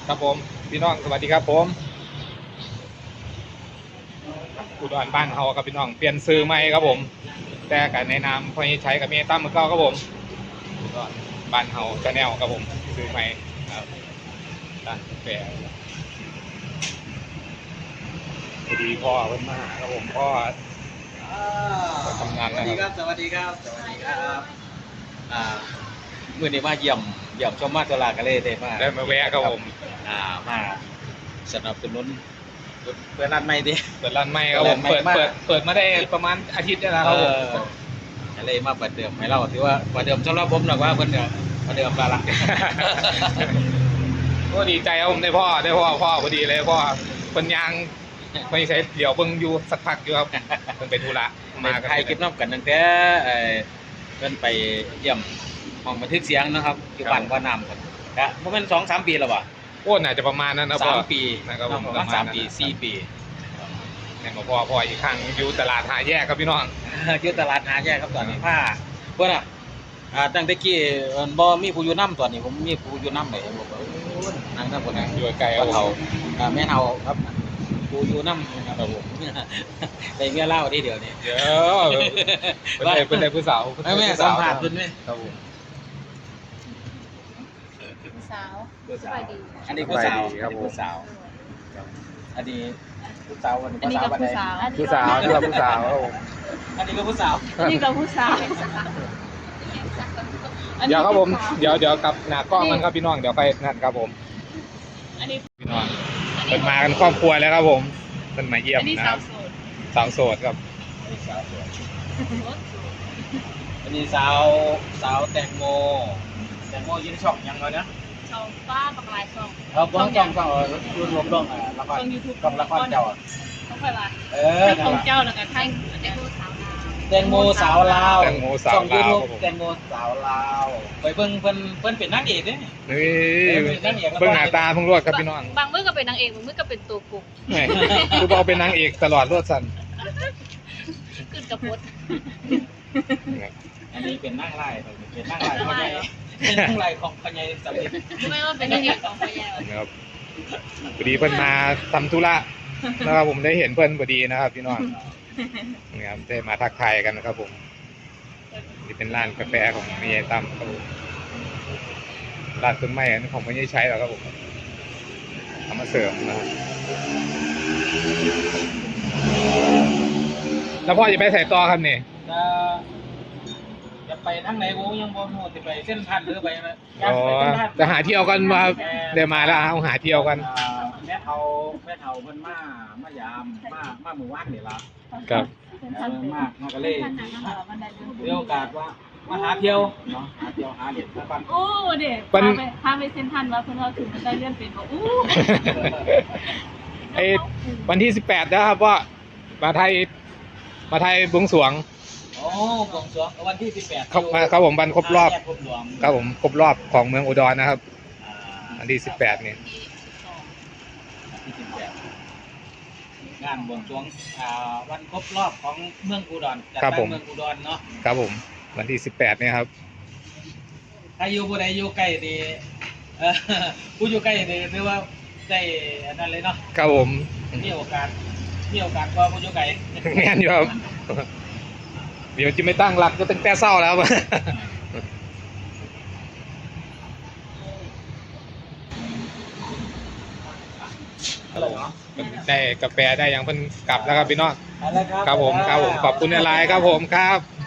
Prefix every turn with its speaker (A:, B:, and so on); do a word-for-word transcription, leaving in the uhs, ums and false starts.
A: ครับผมพี่น้องสวัสดีครับผมอุดรบ้านเฮาครับพี่น้องเปลี่ยนซื้อใหม่ครับผมแต่กันในนามพอใช้กับเมตั้มมือเก้าครับผมอุดรบ้านเฮาชาแนลครับผมซื้อใหม่ครับร้านกาแฟพอดีพ่อเพิ่นมาหาครับผมพ่อทำงาน
B: สวัสดี
A: นะ
B: ค
A: ค
B: รั
A: รั
B: บบ สวัสดีครับสวัสดีครับอ่าเมื่อนี้มาเยี่ยมเยี่ยมชมมาตลาดกันเลยได้มา
A: ได้มาแวะครับผม
B: อ่ามาสนับสนุนเปิดร้านใหม่ดิ
A: เปิดร้านใหม่ครับผม
B: เปิ
A: เปิด
B: ดใหม่
A: เปิดเปิดมาได้ประมาณอาทิตย์แล้วนะครับผม
B: ก็เลยมาเปิดเดิมให้เราถือว่าเปิดเดิมสำหรับผมหรอกว่าเปิดเดิมเปิดเดิมละละ
A: ก็ดีใจครับผมได้พ่อได้พ่อพ่อพอดีเลยพ่อเป็นยางไม่ใช่เดี๋ยวเบิ่งอยู่สักพักอยู่ครับเป็นไปธุระ
B: มา
A: มากัน
B: ถ่ายคลิปน้ำกันตั้งแต่เอ่อเพิ่นไปเยี่ยมห้องบันทึกเสียงนะครับอยู่บ้านว่าน้ำครับก็ประมาณสองสามปีแล้วป่ะ
A: โอ้น่าจะประมาณนั้นนะพ่อ
B: สามปี
A: นะครับผม
B: ประมาณสามปีสี่ปี
A: เนี่ยมาพ่อพ่ออีกครั้งอยู่ตลาดหาแยกครับพี่น้อง
B: อยู่ตลาดหาแยกครับตอนนี้ผ้าเพื่อนอ่ะอ่าตั้งแต่กี้เอิ้นบ่มีผู้อยู่น้ำตอนนี้ผมมีผู้อยู่น้ำเลยผมบอกนั่งทั้งคนนั่ง
A: อยู่ไกลค
B: ก็
A: รับผ
B: เฒ่าม อ่าแม่เฒ่าครับผู้อยู่น้ำครับผมได้เมียเล่าทีเดียวนี่
A: เดี๋ยวเป็นไรเป็นไรผู้สาว
B: แม่สัมภาษณ์เพิ่นไหม
A: ครับผม
C: ผู้สาว
B: ผู้
C: ส
B: สาว
C: บายดี
B: อันนี้ผู้สาวอันนี้ผู้สาวอันนี้ผู้สาววัน
C: อันนี้
B: ผู้สาว
C: กับ
B: วัน
C: ผู้
B: ใด
C: สาว
A: ผู้สาวนี่เราผู้สาวครับผม
B: อันนี้ก็ผู้สาว
C: อันนี้กับผู้สาว
A: เดี๋ยวครับผมเดี๋ยวเดี๋ยวกลับหน้ากล้องมันครับพี่น้องเดี๋ยวไปนั่นครับผม
C: อันนี้
A: พี่น้องเป็นมากันครอบครัวแล้วครับผมเป็นมาเยี่ยม
C: อันนี้
A: นะค
C: สา
A: รั
C: ว
A: บ
C: โสด
A: สาวโสดครับ
B: อันนี้สาวสวยอันนี้สาวสาวแตงโมแตงโมอยืนช่องยังไงนะ
C: ชาวป้าบักลายช่อง
B: เราต้องต้องต้องรุ่นรวมต้องอ่ะละคร
C: ช่องยูทูบ
B: ต้องละครเจ้าอ่ะ
C: ต้องไปว่า
B: เออ
C: ให้ของเจ้าแล้วกันให้แตงโมสาวลาว
B: แตงโมสาวลาว
A: แตงโมสาว
B: ช่องยู
A: ลาว
B: ทูบ
A: ครับผม
B: แตงโมสาวลาวไปเบิ่งเพิ่นเพิ่นเป็นนางเอกเด้
A: นี่
B: เออเป็นนางเอกแล้วก็
A: เบื้องหน้าตาเพิ่งรวดครับพี่น้อง
C: บางมื้อก็เป็นนางเอกบางมื้อก็เป็นตัวกุ๊ก
A: แหม่คือบอกเป็นนางเอกตลอดรวดสัน
C: ขึ้นกระพด
B: อันนี้เป็นนางไล่เป็นนางไล่ของใหญ่เป็นนางไล่ของพญายสำลิด
C: ไม่ว่าเป็นนางเอกของพญา
A: นะครับพอดีเพิ่นมาทำธุระนะครับผมได้เห็นเพิ่นพอดีนะครับพี่น้องนะครับได้มาทักทายกันนะครับผมนี่เป็นร้านกาแฟของแม่ยายตั้มครับผมร้านต้นไม้อันนี้ของไม่ได้ใช้หรอกครับผมเอามาเสริมนะครับแล้วพ่อจะไปใส่ต่อครับนี่
B: จะจะไปทางไหนกูยังบ่รู้สิไปเส้นทันหรือไปนะ
A: อ๋อจะหาเที่ยวกันมาเดี๋ยวมาแล้วเอาหาเที่ยวกัน
B: อ่าแม่เฒ่าแม่เฒ่าเพิ่นมามายามมามาหมู่บ้านนี่ล่ะ
A: ครับ
B: เออมากมาก็เลยมีโอกาสว่ามาหาเที่ยวเนาะหาเที่ยวหาเด็ดสักวัน
C: โอ้เด็กพาไปพาไปเซ็นทรัลว่าเพิ่นเขาถึงได้เลื่อนเป็นบอกอู้
A: ไอ้วันที่สิบแปดนะครับว่ามาไทยมาไทยบวงสรวง
B: โอ้บวงสรวงวันที่สิบแปด
A: ครับมาครับผมวันครบรอบ
B: แยกครบรอบ
A: ครับผมครบรอบของเมืองอุดรนะครับ
B: อ่า
A: วันที่สิบแปดนี่
B: วันที่สิบแปดงานบวงสรวงอ่าวันครบรอบของเมืองอุดรจัดตั้งเมืองอุดรเนาะ
A: ครับผมวันที่สิบแปดนี่ครับ
B: ถ้าอยู่ผู้ใดอยู่ใกล้ดีเออผู้อยู่ใกล้ดีถือว่าได้อันนั้นเลยเนาะ
A: ครับผม
B: มีโอกาสมีโอกาสกว่าผู้อยู่ไกล
A: แม่นอยู่ครับเดี๋ยวจะไม่ตั้งหลักก็ตั้งแต่เศร้าแล้วครับได้กาแฟได้ยังเพิ่นกลับแล้วครับพี่น้อง
B: เอาละ
A: ครับผมครับผมขอบคุณอะไรครับผมครับ